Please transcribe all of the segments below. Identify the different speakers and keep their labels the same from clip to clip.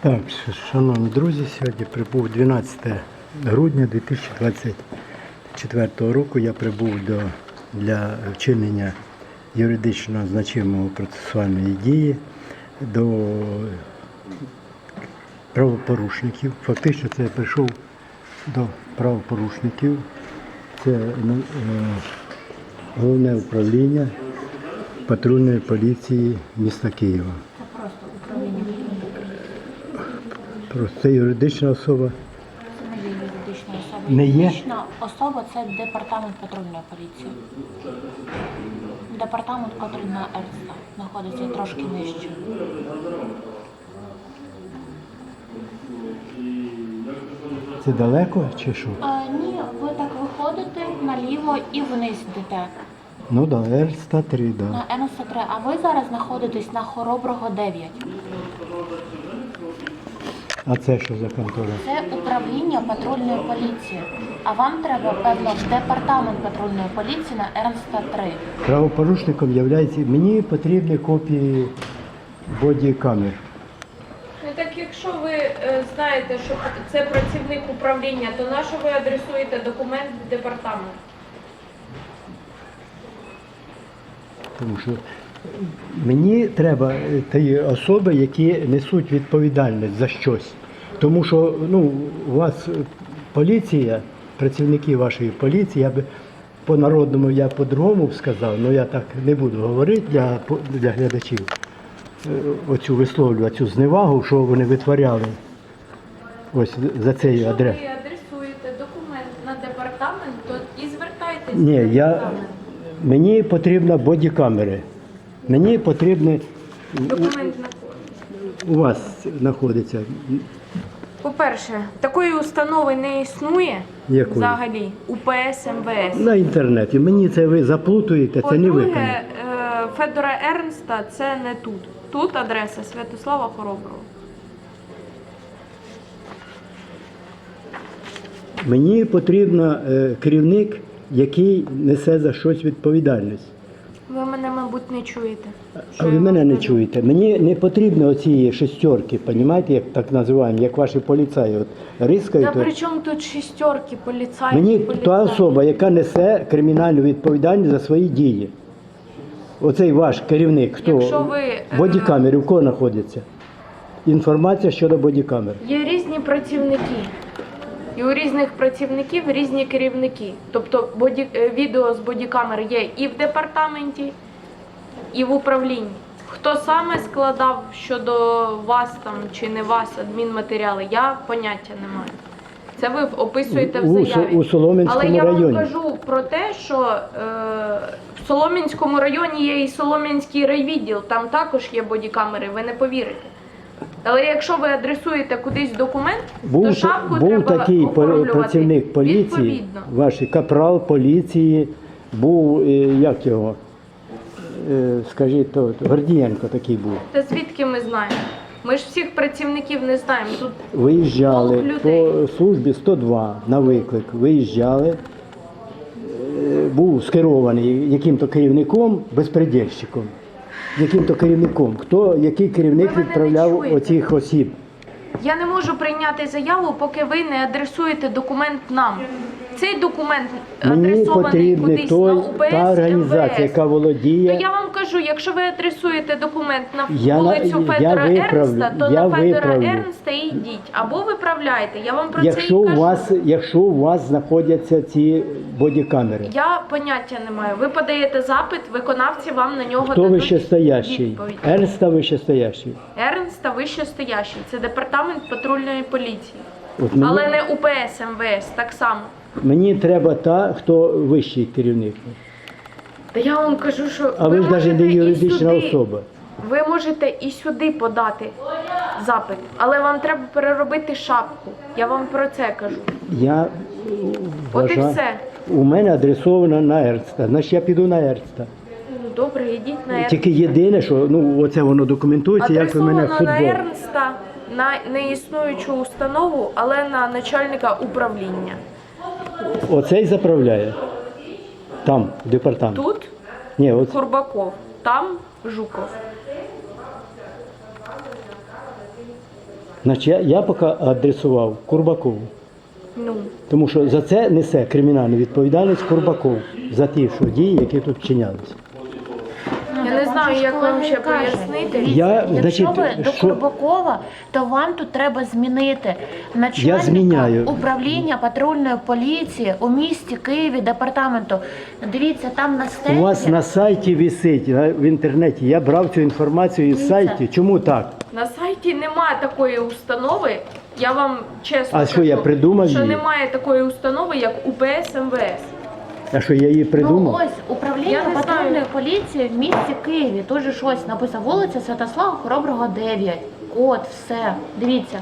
Speaker 1: Так, шановні друзі, сьогодні прибув 12 грудня 2024 року. Я прибув для вчинення юридично значимої процесуальної дії до правопорушників. Фактично це я прийшов до правопорушників. Це головне управління патрульної поліції міста Києва. Просто це юридична особа.
Speaker 2: Це не є юридична особа.
Speaker 1: Не є?
Speaker 2: Юридична особа – це департамент патрульної поліції. Департамент, який на Ерста знаходиться трошки нижче.
Speaker 1: Це далеко чи що?
Speaker 2: Ні, ви так виходите наліво і вниз йдете.
Speaker 1: Ну так, да, Р-103, да.
Speaker 2: На Н-103, а ви зараз знаходитесь на Хороброго 9.
Speaker 1: А це що за контора?
Speaker 2: Це управління патрульної поліції. А вам треба, певно, в департамент патрульної поліції на Р-103.
Speaker 1: Правопорушником являється, мені потрібні копії бодікамер.
Speaker 3: Ну так якщо ви знаєте, що це працівник управління, то на що ви адресуєте документ в департамент?
Speaker 1: Тому що мені треба ті особи, які несуть відповідальність за щось. Тому що у вас поліція, працівники вашої поліції, я би по-народному, я по-другому б сказав, але я так не буду говорити для глядачів. Оцю висловлюю, цю зневагу, що вони витворяли ось за цей адрес.
Speaker 3: Якщо ви адресуєте документ на департамент, то і звертайтеся
Speaker 1: Ні,
Speaker 3: в департамент.
Speaker 1: мені потрібно бодікамери. Мені потрібні,
Speaker 3: Документ на
Speaker 1: у вас знаходиться.
Speaker 3: По-перше, такої установи не існує
Speaker 1: Якої?
Speaker 3: взагалі УПС МВС.
Speaker 1: На інтернеті. Мені це ви заплутуєте, це не ви.
Speaker 3: По-друге, Федора Ернста це не тут. Тут адреса Святослава Хороброго.
Speaker 1: Мені потрібен керівник, який несе за щось відповідальність.
Speaker 3: Ви мене, мабуть, не чуєте.
Speaker 1: А ви мене не чуєте. Мені не потрібно оці шестерки, розумієте, як так називаємо, як ваші поліцаї. От рискають.
Speaker 3: Та при чому тут шістерки, поліцаї?
Speaker 1: Мені та особа, яка несе кримінальну відповідальність за свої дії. Оцей ваш керівник, хто?
Speaker 3: Якщо ви,
Speaker 1: Бодікамери, в кого знаходиться? Інформація щодо бодікамер.
Speaker 3: Є різні працівники. І у різних працівників різні керівники. Тобто відео з бодікамер є і в департаменті, і в управлінні. Хто саме складав щодо вас там чи не вас адмінматеріали, я поняття не маю. Це ви описуєте в заяві.
Speaker 1: У Солом'янському
Speaker 3: Але я
Speaker 1: районі.
Speaker 3: вам кажу про те, що в Солом'янському районі є і Солом'янський райвідділ, там також є бодікамери, ви не повірите. Але якщо ви адресуєте кудись документ, то шапку
Speaker 1: був
Speaker 3: треба
Speaker 1: такий
Speaker 3: оформлювати
Speaker 1: працівник поліції,
Speaker 3: відповідно.
Speaker 1: ваш капрал поліції, був, як його, скажіть, Гордієнко такий був.
Speaker 3: Та звідки ми знаємо? Ми ж всіх працівників не знаємо. Тут
Speaker 1: Виїжджали
Speaker 3: полк людей.
Speaker 1: по службі 102 на виклик, виїжджали, був скерований яким-то керівником, безпредельщиком. Яким-то керівником. Який керівник
Speaker 3: Ви мене не
Speaker 1: відправляв
Speaker 3: чуєте.
Speaker 1: оцих осіб?
Speaker 3: я не можу прийняти заяву, поки ви не адресуєте документ нам. Цей документ
Speaker 1: Мені
Speaker 3: адресований
Speaker 1: потрібна
Speaker 3: кудись на УПС,
Speaker 1: та організація,
Speaker 3: МВС.
Speaker 1: яка володіє.
Speaker 3: То я вам кажу, якщо ви адресуєте документ на
Speaker 1: Я
Speaker 3: вулицю
Speaker 1: я
Speaker 3: Федора
Speaker 1: виправлю,
Speaker 3: Ернста, то
Speaker 1: я
Speaker 3: на Федора
Speaker 1: виправлю.
Speaker 3: Ернста і йдіть. Або виправляйте. Я вам про це
Speaker 1: Якщо
Speaker 3: і кажу.
Speaker 1: якщо у вас знаходяться ці бодікамери,
Speaker 3: Я поняття не маю. Ви подаєте запит, виконавці вам на нього
Speaker 1: хто
Speaker 3: дадуть
Speaker 1: вищестоящий?
Speaker 3: відповідь.
Speaker 1: Ернста вищестоящий.
Speaker 3: Ернста вищестоящий. Це департамент патрульної поліції.
Speaker 1: От мені,
Speaker 3: Але не УПС МВС, так само.
Speaker 1: мені треба та, хто вищий керівник.
Speaker 3: Та я вам кажу, що
Speaker 1: А ви ж навіть
Speaker 3: можете
Speaker 1: не
Speaker 3: і
Speaker 1: юридична
Speaker 3: сюди-
Speaker 1: особа.
Speaker 3: Ви можете і сюди подати запит, але вам треба переробити шапку. Я вам про це кажу.
Speaker 1: Я
Speaker 3: От і
Speaker 1: вважаю,
Speaker 3: все.
Speaker 1: у мене адресовано на Ернста, значить я піду на Ернста.
Speaker 3: Ну, добре, йдіть на
Speaker 1: Тільки єдине, що оце воно документується, як ви мене в
Speaker 3: адресовано на
Speaker 1: футбол.
Speaker 3: Ернста, на неіснуючу установу, але на начальника управління.
Speaker 1: Оцей заправляє. Там, в департамент.
Speaker 3: Тут
Speaker 1: Ні, от
Speaker 3: Курбаков, там Жуков.
Speaker 1: Значить, я поки адресував Курбакову.
Speaker 3: Ну,
Speaker 1: Тому що за це несе кримінальну відповідальність Курбаков, за ті що дії, які тут вчинялися.
Speaker 3: я не знаю, як вам ще пояснити.
Speaker 1: Я,
Speaker 2: Якщо
Speaker 1: значить,
Speaker 2: ви до
Speaker 1: що-
Speaker 2: Курбакова, то вам тут треба змінити
Speaker 1: Я зміняю.
Speaker 2: начальника управління патрульної поліції у місті Києві, департаменту. Дивіться, там на
Speaker 1: У
Speaker 2: стенді.
Speaker 1: вас на сайті висить, в інтернеті, я брав цю інформацію із
Speaker 2: Дивіться.
Speaker 1: сайту. Чому так?
Speaker 3: На сайті немає такої установи. Я вам чесно
Speaker 1: А що, я придумав
Speaker 3: що
Speaker 1: її?
Speaker 3: немає такої установи, як УПС МВС.
Speaker 1: А що я її
Speaker 2: Ну
Speaker 1: придумав?
Speaker 2: ось управління
Speaker 3: Я не
Speaker 2: патрульної
Speaker 3: знаю.
Speaker 2: поліції в місті Києві. Тут же щось написано вулиця Святослава Хороброго 9. Код, все. Дивіться.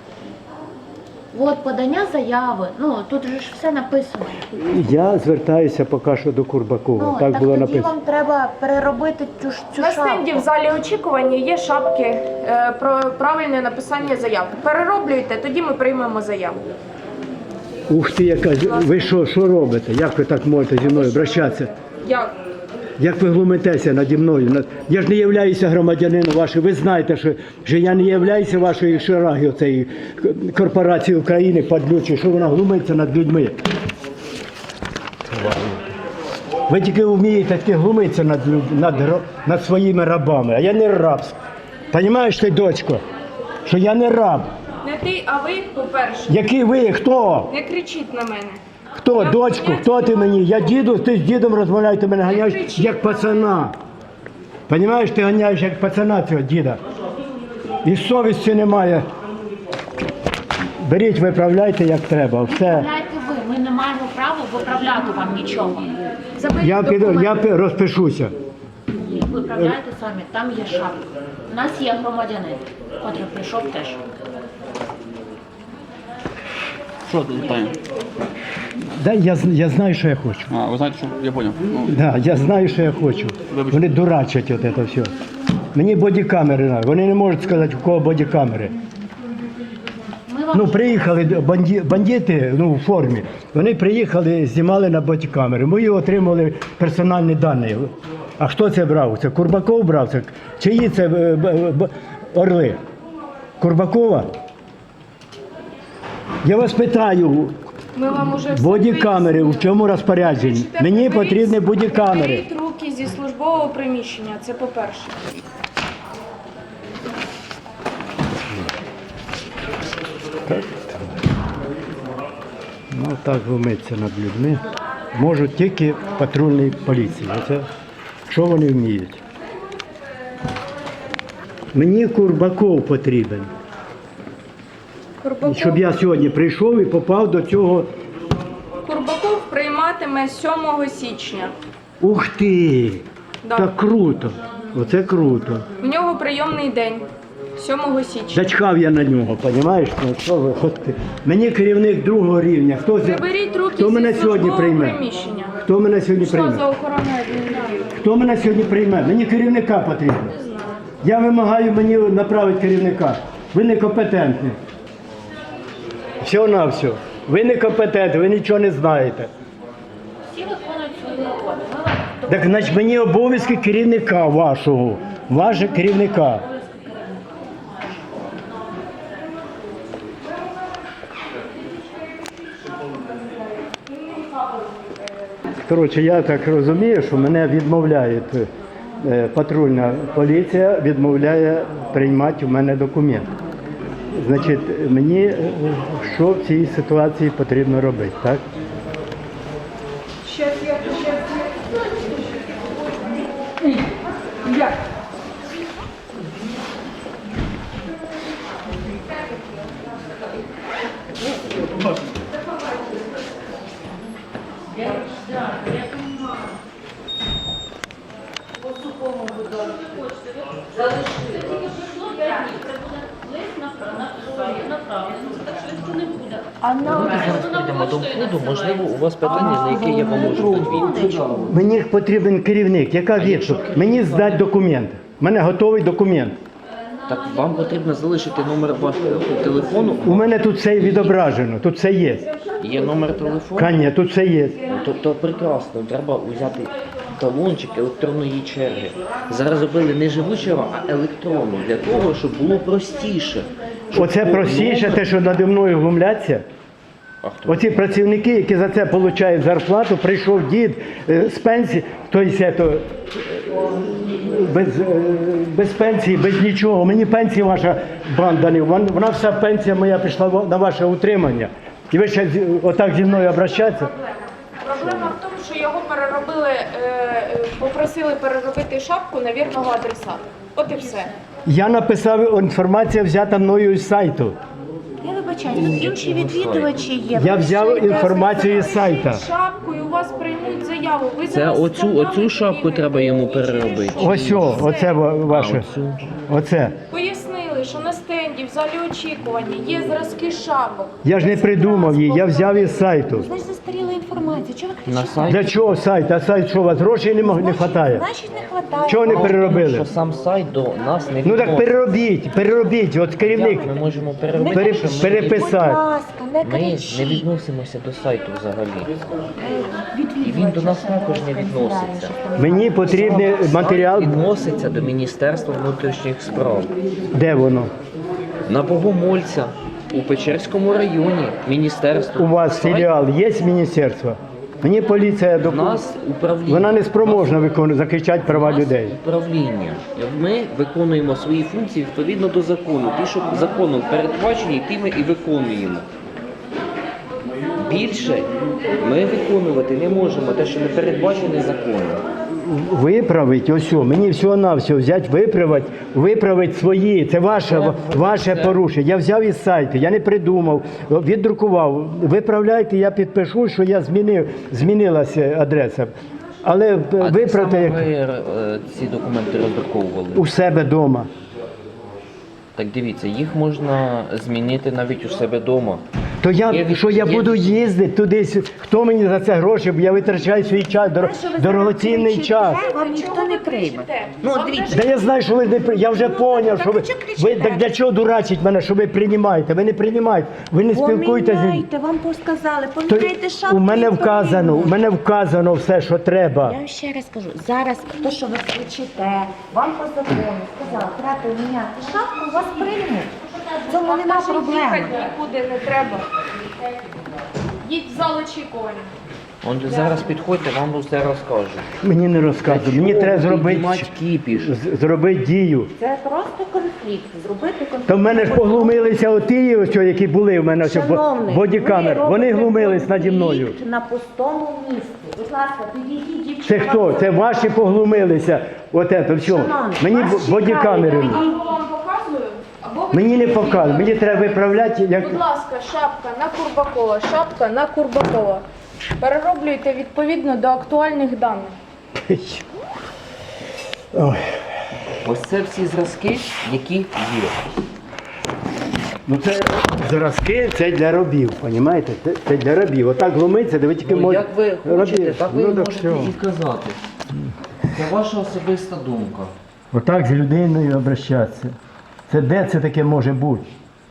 Speaker 2: От подання заяви. Ну тут же ж все написано.
Speaker 1: Я звертаюся поки що до Курбакова.
Speaker 2: Ну
Speaker 1: так було
Speaker 2: тоді
Speaker 1: написано.
Speaker 2: вам треба переробити цю
Speaker 3: На
Speaker 2: шапку.
Speaker 3: стенді в залі очікування є шапки про правильне написання заяв. Перероблюйте, тоді ми приймемо заяву.
Speaker 1: Ух ти, яка ви що робите? Як ви так можете зі мною обращатися?
Speaker 3: Як?
Speaker 1: Як ви глумитеся наді мною? Я ж не являюся громадянином вашим. Ви знаєте, що я не являюся вашою шараги, оцеї корпорації України падлючої, що вона глумиться над людьми. Ви тільки вмієте таки глумитися над своїми рабами, а я не раб. Понімаєш ти, дочко, що я не раб.
Speaker 3: Не ти, а ви, по-перше.
Speaker 1: Який ви? Хто?
Speaker 3: Не кричіть на мене.
Speaker 1: Хто, дочку, хто ти мені? Я діду, ти з дідом розмовляєш, ти мене ганяєш як пацана. Понімаєш, ти ганяєш як пацана цього діда. І совісті немає. Беріть, виправляйте як треба. Все.
Speaker 2: Виправляйте ви, ми не маємо права виправляти вам нічого.
Speaker 3: Заберіть
Speaker 1: Я
Speaker 3: документи.
Speaker 1: розпишуся.
Speaker 2: Виправляйте самі, там є шапка. У нас є громадянин, котрий прийшов теж.
Speaker 4: Що тут питання?
Speaker 1: Да, я знаю, що я хочу.
Speaker 4: А, ви знаєте, що я поняв. Ну,
Speaker 1: Да, я знаю, що я хочу.
Speaker 4: Вибачте.
Speaker 1: Вони дурачать от це все. Мені бодікамери треба. Вони не можуть сказати, у кого бодікамери.
Speaker 2: Ми вам
Speaker 1: Ну, приїхали бандити в формі. Вони приїхали, знімали на бодікамери. Ми отримали персональні дані. А хто це брав? Це Курбаков брав? Це чиї це орли? Курбакова? Я вас питаю,
Speaker 3: Ми вам уже все
Speaker 1: бодікамери в чому розпорядженні?
Speaker 3: Вибачте,
Speaker 1: Мені
Speaker 3: приберіть-
Speaker 1: потрібні бодікамери.
Speaker 3: Приберіть руки зі службового приміщення, це по-перше.
Speaker 1: Ну так глумиться над людьми. Можуть тільки в патрульній поліції. Оце що вони вміють. Мені Курбаков потрібен. Щоб я сьогодні прийшов і попав до цього.
Speaker 3: Курбаков прийматиме 7 січня.
Speaker 1: Ух ти!
Speaker 3: Да.
Speaker 1: Так круто! Оце круто.
Speaker 3: В нього прийомний день 7 січня.
Speaker 1: Зачхав я на нього, розумієш? Ну, що ви, от ти. Мені керівник другого рівня.
Speaker 3: Приберіть руки
Speaker 1: Хто мене
Speaker 3: зі
Speaker 1: сьогодні
Speaker 3: службового
Speaker 1: прийме?
Speaker 3: приміщення.
Speaker 1: Хто мене сьогодні
Speaker 3: Що
Speaker 1: прийме?
Speaker 3: за охорона адміністрації?
Speaker 1: Хто мене сьогодні прийме? Мені керівника потрібно. Я вимагаю мені направити керівника. Ви некомпетентні. Все на все. Ви некомпетентні, ви нічого не знаєте.
Speaker 2: всі виконують свої роботи. Ми вам
Speaker 1: Так значить мені обов'язки керівника вашого. Ваше керівника. Коротше, я так розумію, що мене відмовляють, патрульна поліція відмовляє приймати у мене документ. Значить, мені що в цій ситуації потрібно робити, так?
Speaker 5: Йдемо до входу, можливо, у вас питання, на яке я вам можу дати відповідь.
Speaker 1: Мені потрібен керівник. Яка відповідь? Мені здати документ. У мене готовий документ.
Speaker 5: Так, вам потрібно залишити номер вашого телефону.
Speaker 1: У мене тут все відображено, тут все є.
Speaker 5: Є номер телефону.
Speaker 1: Каня, тут все є.
Speaker 5: То прекрасно, треба взяти талончик електронної черги. Зараз робили не живу чергу, а електронну, для того, щоб було простіше,
Speaker 1: Оце простіше, те, що наді мною глумляться.
Speaker 5: А хто?
Speaker 1: Оці працівники, які за це отримують зарплату, прийшов дід з пенсії, без пенсії, без нічого. Мені пенсія ваша банда не, вона вся пенсія моя пішла на ваше утримання. І ви ще отак зі мною обращатися?
Speaker 3: Проблема в тому, що його переробили, попросили переробити шапку на вірного адресата. От і все.
Speaker 1: Я написав, інформація взята мною з сайту.
Speaker 2: Я вибачаю, тут інші відвідувачі є.
Speaker 1: Я взяв інформацію з сайта.
Speaker 3: Шапку і у вас приймуть заяву. Ви
Speaker 5: Це
Speaker 3: зараз
Speaker 5: оцю
Speaker 3: скандали
Speaker 5: шапку
Speaker 3: собі.
Speaker 5: треба йому переробити.
Speaker 1: Ось, оце ваше.
Speaker 5: Оцю.
Speaker 1: Оце.
Speaker 3: Пояснили, що на стенді в залі очікування є зразки шапок.
Speaker 1: Я ж не придумав її, я взяв із сайту.
Speaker 2: Значить, застаріла інформація. Чого ви
Speaker 5: На
Speaker 2: кричите?
Speaker 5: сайті.
Speaker 1: Для чого сайт? А сайт що, у вас грошей не вистачає?
Speaker 2: Значить, не хватає.
Speaker 1: Чого не
Speaker 5: Тому
Speaker 1: переробили?
Speaker 5: що сам сайт до нас не
Speaker 1: Ну так
Speaker 5: відноситься.
Speaker 1: переробіть, от керівник.
Speaker 5: Як ми можемо
Speaker 2: Не
Speaker 5: переробити?
Speaker 1: Пере-
Speaker 2: кричіть,
Speaker 1: переписати.
Speaker 2: будь ласка, не
Speaker 5: Ми не
Speaker 2: кричіть.
Speaker 5: відносимося до сайту взагалі.
Speaker 2: Відвідувачі
Speaker 5: І він до нас
Speaker 2: ще
Speaker 5: також не
Speaker 2: розповідає,
Speaker 5: відноситься.
Speaker 2: що там.
Speaker 1: Мені потрібний матеріал.
Speaker 5: Сайт відноситься до Міністерства внутрішніх справ.
Speaker 1: Де воно?
Speaker 5: На Богомольця у Печерському районі міністерство.
Speaker 1: У вас
Speaker 5: Сайт
Speaker 1: філіал є з міністерства? Мені поліція
Speaker 5: У нас управління.
Speaker 1: Вона не спроможна захищати права
Speaker 5: У нас
Speaker 1: людей.
Speaker 5: управління. Ми виконуємо свої функції відповідно до закону. Ті, що законом передбачені, ті ми і виконуємо. Більше ми виконувати не можемо те, що не передбачене законом.
Speaker 1: Виправить, ось, мені всього-навсього взяти, виправити свої. Це ваше порушення. Я взяв із сайту, я не придумав, віддрукував. Виправляйте, я підпишу, що я змінилася адреса. Але
Speaker 5: А де
Speaker 1: виправте
Speaker 5: саме
Speaker 1: як
Speaker 5: ви ці документи роздруковували?
Speaker 1: у себе вдома.
Speaker 5: Так дивіться, їх можна змінити навіть у себе вдома.
Speaker 1: То
Speaker 5: Є
Speaker 1: що я
Speaker 5: є
Speaker 1: буду їздити туди, хто мені за це гроші, бо я витрачаю свій час, дорогоцінний час.
Speaker 2: Вам ніхто не прийме.
Speaker 3: Ну,
Speaker 2: дивіться.
Speaker 1: Да я знаю, що ви не я вже зрозумів, що ви так для чого дурачить мене, що ви приймаєте? Ви не приймаєте, ви не спілкуєтеся.
Speaker 2: Поміняйте, вам сказали,
Speaker 1: То
Speaker 2: поміняйте шапку.
Speaker 1: у мене
Speaker 2: і
Speaker 1: вказано,
Speaker 2: поміняйте.
Speaker 1: все, що треба.
Speaker 2: Я вам ще раз кажу, зараз то, що ви кричите, вам по закону сказали, треба поміняти шапку, вас приймуть. В цьому нема проблеми.
Speaker 3: Їхати нікуди не треба. Їдь в зал очікування.
Speaker 5: Он зараз підходьте, вам все розкажу.
Speaker 1: Мені не розказують, мені треба зробити
Speaker 5: кіпіш.
Speaker 1: зробити дію.
Speaker 2: Це просто конфлікт, зробити конфлікт.
Speaker 1: То в мене ж поглумилися оті, ось, які були в мене ось,
Speaker 2: Шановний,
Speaker 1: бодікамер.
Speaker 2: ви
Speaker 1: Вони
Speaker 2: робите
Speaker 1: глумились наді мною.
Speaker 2: конфлікт на пустому місці. Будь ласка, підійдіть дівчина.
Speaker 1: Це хто? Це ваші поглумилися. От це все.
Speaker 2: Шановний,
Speaker 1: Мені
Speaker 2: вас
Speaker 1: бодікамери.
Speaker 2: чекають.
Speaker 3: Або вам показую, або ви
Speaker 1: Мені не
Speaker 3: підійдіть.
Speaker 1: показують, мені треба виправляти, як
Speaker 3: Будь ласка, шапка на Курбакова, шапка на Курбакова. Перероблюйте відповідно до актуальних даних.
Speaker 1: Ой.
Speaker 5: Ось це всі зразки, які є.
Speaker 1: Ну це зразки, це для робів, розумієте? Це для робів. Отак глумиться, де ви тільки
Speaker 5: Ну,
Speaker 1: можете.
Speaker 5: як ви хочете, так ви
Speaker 1: Ну,
Speaker 5: можете
Speaker 1: все.
Speaker 5: і казати. Це ваша особиста думка.
Speaker 1: Отак з людиною обращатися. Це де це таке може бути?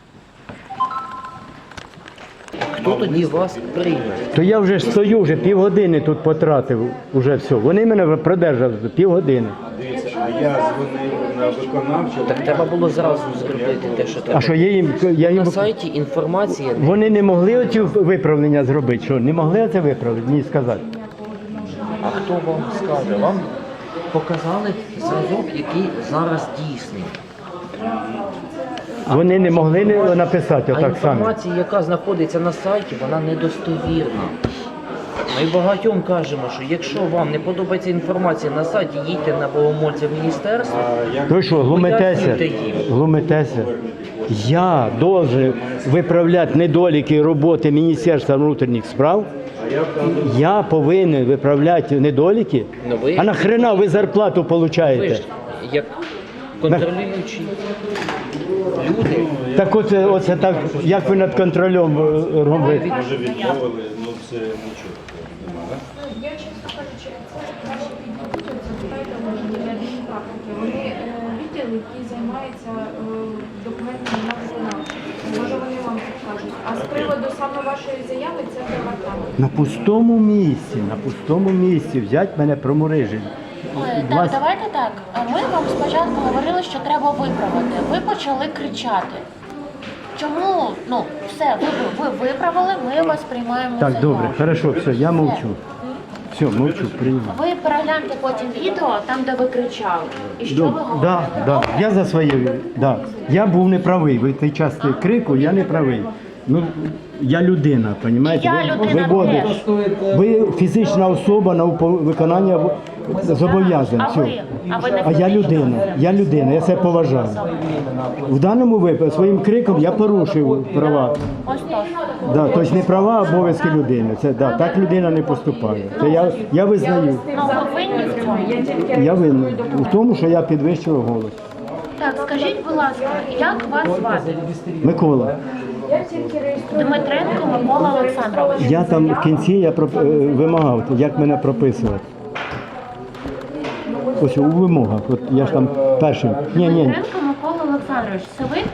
Speaker 5: Хто тоді вас прийме?
Speaker 1: То я вже стою, вже півгодини тут потратив, уже все. Вони мене продержали півгодини.
Speaker 6: А я дзвонив на виконавчу.
Speaker 5: Так треба було зразу зробити те, що треба.
Speaker 1: А що я їм
Speaker 5: На сайті інформація.
Speaker 1: вони не могли оці виправлення зробити? Що не могли це виправити? Мені сказати.
Speaker 5: А хто вам скаже? Вам показали зразок, який зараз дійсний.
Speaker 1: Вони не могли написати
Speaker 5: А
Speaker 1: отак само.
Speaker 5: інформація, яка знаходиться на сайті, вона недостовірна. Ми багатьом кажемо, що якщо вам не подобається інформація на сайті, їдьте на Богомольця в міністерство.
Speaker 1: Ви що, глумитеся?
Speaker 5: Пояснюйте їм.
Speaker 1: Глумитеся? Я должен виправляти недоліки роботи Міністерства внутрішніх справ. Я повинен виправляти недоліки.
Speaker 5: Ну, ви-
Speaker 1: А нахрена ви зарплату
Speaker 5: Ви
Speaker 1: отримуєте?
Speaker 5: ж як контролюючі люди.
Speaker 1: Так оце так, як ви над контролем робите?
Speaker 6: Може відмовили, ну це нічого нема, так?
Speaker 3: Я чесно кажучи, це краще підійдуть, запитайте може для адмінпрактики. Вони відділ, який займається документами на виконавчі. Може вони вам підкажуть. А з приводу саме вашої заяви це департамент.
Speaker 1: На пустому місці взять мене проморижень.
Speaker 2: Так, давайте так. Ми вам спочатку говорили, що треба виправити. Ви почали кричати. Чому, ну, все, ви виправили, ми вас приймаємо
Speaker 1: Так,
Speaker 2: заяву.
Speaker 1: добре, хорошо, все, я мовчу. Все, мовчу, приймаю.
Speaker 2: Ви перегляньте потім відео, там, де ви кричали. І що ви говорите?
Speaker 1: Да. Я за своє, да. Я був неправий. Ви той час крику, я не правий. Ну, я людина, розумієте?
Speaker 2: І я людина теж.
Speaker 1: Ви фізична особа на виконання зобов'язань.
Speaker 2: А
Speaker 1: Все.
Speaker 2: ви? А ви не
Speaker 1: А я людина, я себе поважаю. В даному випадку своїм криком я порушив права.
Speaker 2: Ось то.
Speaker 1: Да, тобто не права, а обов'язки людини. Це, да, так людина не поступає. Це я визнаю.
Speaker 2: Ну, ви винні в цьому.
Speaker 1: Я винен у тому, що я підвищував голос.
Speaker 2: Так, скажіть, будь ласка, як вас звати?
Speaker 1: Микола,
Speaker 2: Дмитренко Микола Олександрович.
Speaker 1: я там в кінці вимагав, як мене прописувати. Ось у вимогах. От я ж там першим. Ні.
Speaker 2: Дмитренко Микола Олександрович, це ви?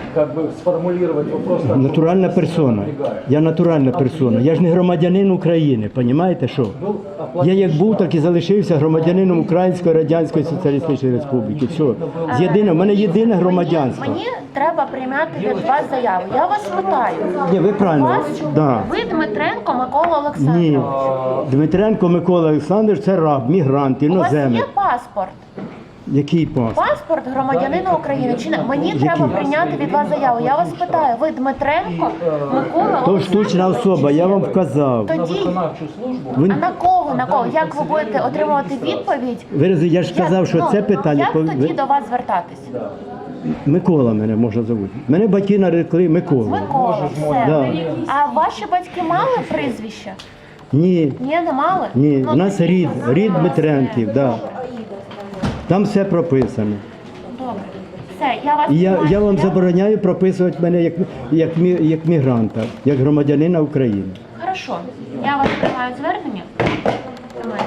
Speaker 1: Натуральна персона. Я натуральна персона. Я ж не громадянин України, розумієте що? Я як був, так і залишився громадянином Української Радянської Соціалістичної Республіки. Все. В мене єдине громадянство.
Speaker 2: Мені треба прийняти від вас заяву. Я вас питаю.
Speaker 1: Ні, ви правильно.
Speaker 2: Вас,
Speaker 1: Да.
Speaker 2: ви Дмитренко Микола Олександрович.
Speaker 1: Ні. Дмитренко Микола Олександрович це раб, мігрант,
Speaker 2: У вас
Speaker 1: іноземець.
Speaker 2: є паспорт?
Speaker 1: Який пас?
Speaker 2: Паспорт громадянина України. Чи не? Мені треба прийняти від вас заяву. Я вас питаю, ви Дмитренко Микола
Speaker 1: То
Speaker 2: Олександрович?
Speaker 1: штучна особа, я вам вказав.
Speaker 2: Тоді,
Speaker 1: Ви,
Speaker 2: а на кого? На кого? Як ви будете отримувати відповідь?
Speaker 1: я ж сказав, що це питання.
Speaker 2: Як тоді до вас звертатись?
Speaker 1: Микола мене можна звати. Мене батьки нарекли Микола.
Speaker 2: Микола, все.
Speaker 1: Да.
Speaker 2: А ваші батьки мали прізвище?
Speaker 1: Ні,
Speaker 2: Ні, не мали?
Speaker 1: ні,
Speaker 2: Ну,
Speaker 1: у нас
Speaker 2: тоді-
Speaker 1: рід Дмитренків, да. Там все прописано.
Speaker 2: Добре. Все, я вас
Speaker 1: І я
Speaker 2: приймаю
Speaker 1: вам
Speaker 2: заяву.
Speaker 1: забороняю прописувати мене як мігранта, як громадянина України.
Speaker 2: Хорошо. Я вас приймаю звернення. Тримайте.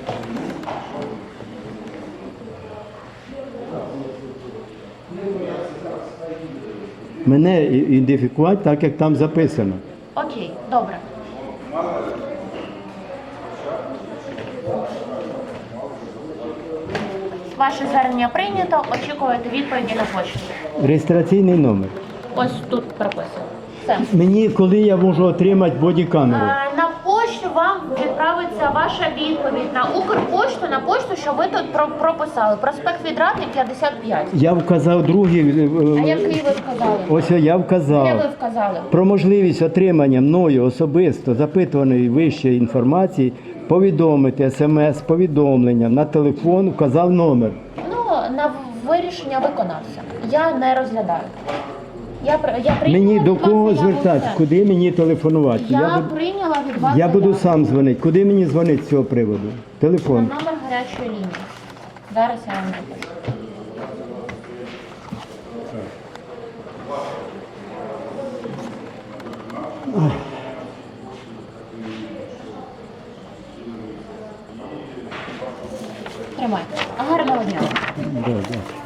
Speaker 1: Мене ідентифікувати так, як там записано.
Speaker 2: Окей, добре. Ваше звернення прийнято, очікуєте відповіді на почту.
Speaker 1: Реєстраційний номер.
Speaker 2: Ось тут прописано. Все.
Speaker 1: Мені коли я можу отримати бодікамеру?
Speaker 2: На пошту вам відправиться ваша відповідь на Укрпошту, на пошту, що ви тут прописали. Проспект Відрадний, 55.
Speaker 1: Я вказав другий.
Speaker 2: А який ви вказали?
Speaker 1: Ось я
Speaker 2: Де ви
Speaker 1: вказав.
Speaker 2: вказали?
Speaker 1: Про можливість отримання мною особисто запитуваної вищої інформації повідомити смс-повідомлення на телефон, вказав номер.
Speaker 2: Ну, на вирішення виконавця. Я не розглядаю. Я прийняла
Speaker 1: Мені
Speaker 2: від
Speaker 1: до
Speaker 2: вас
Speaker 1: кого
Speaker 2: заяву,
Speaker 1: звертатися?
Speaker 2: все.
Speaker 1: Куди мені телефонувати?
Speaker 2: Я прийняла від вас
Speaker 1: Я буду
Speaker 2: заяву.
Speaker 1: сам дзвонити. Куди мені дзвонити з цього приводу?
Speaker 2: На
Speaker 1: Телефон.
Speaker 2: номер гарячої лінії. Зараз я вам запишу. Тримайте. Гарного дня.
Speaker 1: Да, да.